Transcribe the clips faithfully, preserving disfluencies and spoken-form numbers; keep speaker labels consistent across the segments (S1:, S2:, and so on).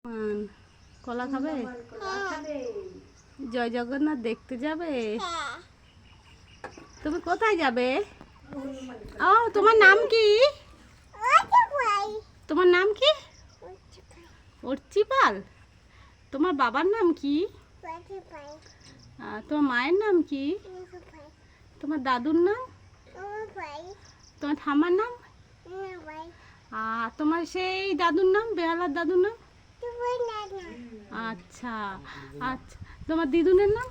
S1: কলা খাবে? জয় জগন্নাথ দেখতে যাবে? তুমি কোথায় যাবে? ও তোমার নাম কি? তোমার নাম কি? অর্চিপাল। তোমার বাবার নাম কি? তোমার মায়ের নাম কি? তোমার দাদুর নাম? তোমার ঠাম্মার নাম? আর তোমার সেই দাদুর নাম, বেহালার দাদুর নাম? আচ্ছা আচ্ছা, তোমার দিদুনের নাম?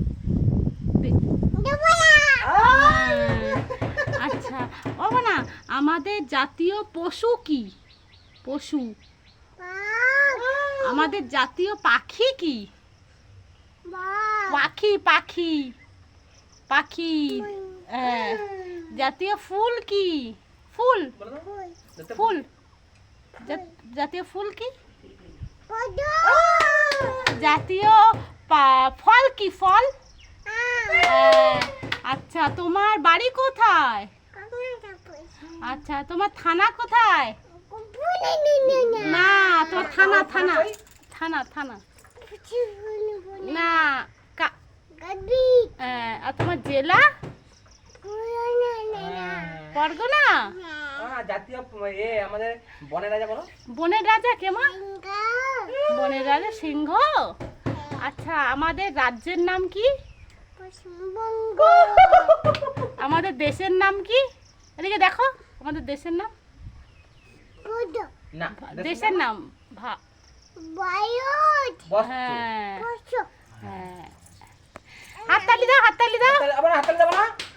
S1: আচ্ছা ও না, আমাদের জাতীয় পশু কি? পশু। আমাদের জাতীয় পাখি কি? পাখি পাখি পাখি। হ্যাঁ। জাতীয় ফুল কি? ফুল ফুল জাতীয় ফুল কি? জাতীয় ফল কি? ফল। আচ্ছা তোমার বাড়ি কোথায়? আচ্ছা তোমার থানা কোথায়? না তোমার থানা থানা থানা থানা না। আর তোমার জেলা? পরগনা।
S2: জাতীয় এ আমাদের বনের রাজা বলো।
S1: বনের রাজা কেমন? বনের রাজা সিংহ। আচ্ছা আমাদের রাজ্যের নাম কি? পশ্চিমবঙ্গ। আমাদের দেশের নাম কি? এদিকে দেখো, আমাদের দেশের নাম?
S2: না,
S1: দেশের নাম
S2: ভারত।
S1: হ্যাঁ হ্যাঁ। হাততালি দাও, হাততালি দাও।
S2: আবার হাততালি দাও না।